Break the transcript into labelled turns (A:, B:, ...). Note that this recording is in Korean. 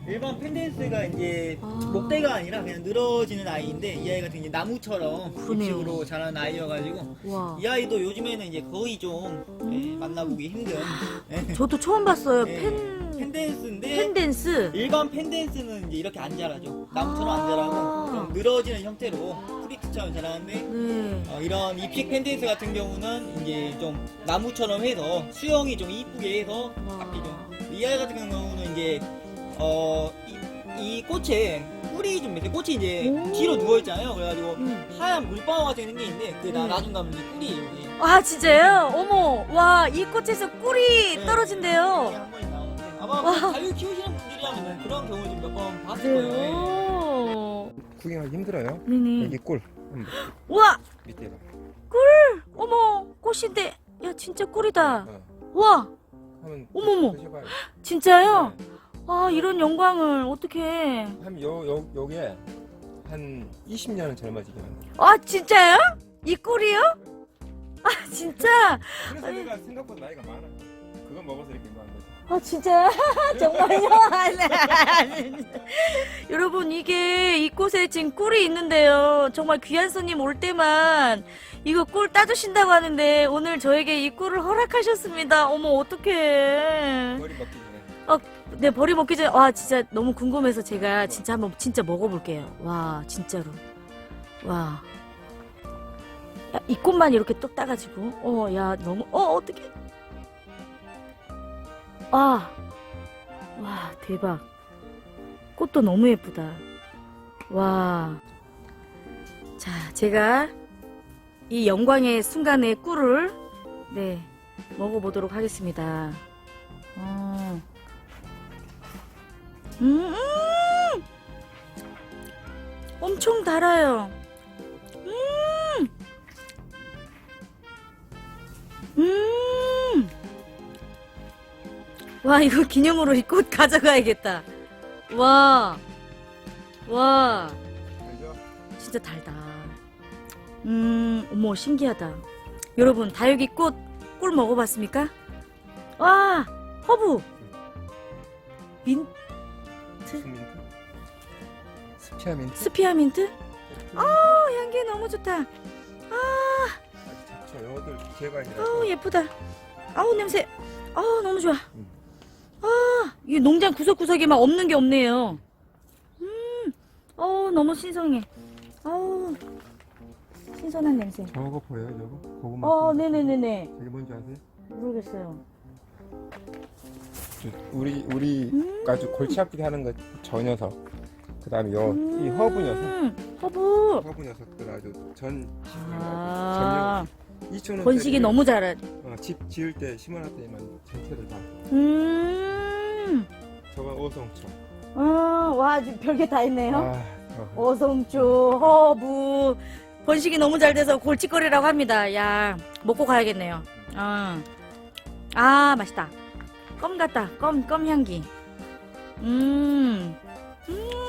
A: 일반 펜댄스가 이제 목대가 아니라 그냥 늘어지는 아이인데 이 아이 같은 게 나무처럼
B: 그러네요.
A: 잎식으로 자라는 아이여가지고
B: 와.
A: 이 아이도 요즘에는 이제 거의 좀 만나보기 힘든
B: 저도 처음 봤어요.
A: 펜댄스인데
B: 펜댄스.
A: 일반 펜댄스는 이제 이렇게 안 자라죠. 나무처럼 안 자라고 좀 늘어지는 형태로 프리트처럼 자라는데
B: 네.
A: 이런 잎식 펜댄스 같은 경우는 이제 좀 나무처럼 해서 수영이 좀 이쁘게 해서 바뀌죠. 이 아이 같은 경우는 이제 이 꽃에 꿀이 좀 있어요. 꽃이 이제 뒤로 누워 있잖아요. 그래가지고 하얀 물방울 같은 게 생기는데 그게 나중 가면 이제 꿀이에요. 이게.
B: 아, 진짜요? 어머, 와, 이 꽃에서 꿀이
A: 네.
B: 떨어진대요.
A: 이게 한 번씩 나오는데 아마 뭐 자유 키우시는 분들이라면 그런 경우 좀 몇 번 봤을 거예요.
B: 그래요.
C: 구경하기 힘들어요.
B: 네네.
C: 여기 꿀
B: 와,
C: 밑에가.
B: 어머, 꽃인데, 야, 진짜 꿀이다.
C: 어.
B: 와,
C: 하면
B: 어머머.
C: 드셔봐요.
B: 진짜요?
C: 네.
B: 아, 이런 영광을 어떻게?
C: 한 요게 한 20년은 젊어지게 만들.
B: 아, 진짜요? 이 꿀이요? 아, 진짜?
C: 그래서 내가 생각보다 나이가 많아. 그거 먹어서 이렇게 많은 거지.
B: 아, 진짜요? 정말요? 아니. 여러분, 이게 이 꽃에 지금 꿀이 있는데요. 정말 귀한 손님 올 때만 이거 꿀 따주신다고 하는데 오늘 저에게 이 꿀을 허락하셨습니다. 어머, 어떡해.
C: 머리 먹기 전에.
B: 네, 버리 먹기 전에, 와, 진짜 너무 궁금해서 제가 진짜 한번 진짜 먹어볼게요. 와, 진짜로. 와. 야, 이 꽃만 이렇게 뚝 따가지고. 야, 너무, 어떡해. 와, 대박. 꽃도 너무 예쁘다. 와. 자, 제가 이 영광의 순간의 꿀을, 네, 먹어보도록 하겠습니다. 엄청 달아요. 와, 이거 기념으로 이 꽃 가져가야겠다. 와,
C: 알죠?
B: 진짜 달다. 어머, 신기하다. 여러분, 다육이 꿀 먹어봤습니까? 와, 허브. 민트?
C: 수민트. 스피아민트.
B: 스피아민트? 향기 너무 좋다.
C: 아주 작죠. 요것들 개발이라서.
B: 예쁘다. 냄새. 너무 좋아. 이 농장 구석구석에 막 없는 게 없네요. 너무 신선해. 신선한 냄새.
C: 저거 보여요, 저거? 고구마.
B: 네네네네.
C: 저게 뭔지 아세요?
B: 모르겠어요.
C: 우리 아주 골치 아프게 하는 거 저 녀석. 그다음에 이 허브 녀석. 허브 녀석들 아주
B: 아,
C: 2,000원.
B: 번식이 너무 잘해.
C: 집 지을 때 심어놨 때만 전체를 다. 저건 오성초.
B: 와, 지금 별게 다 있네요.
C: 어.
B: 어성초, 허브. 번식이 너무 잘 돼서 골칫거리라고 합니다. 야, 먹고 가야겠네요. 맛있다. 껌 같다. 껌 향기.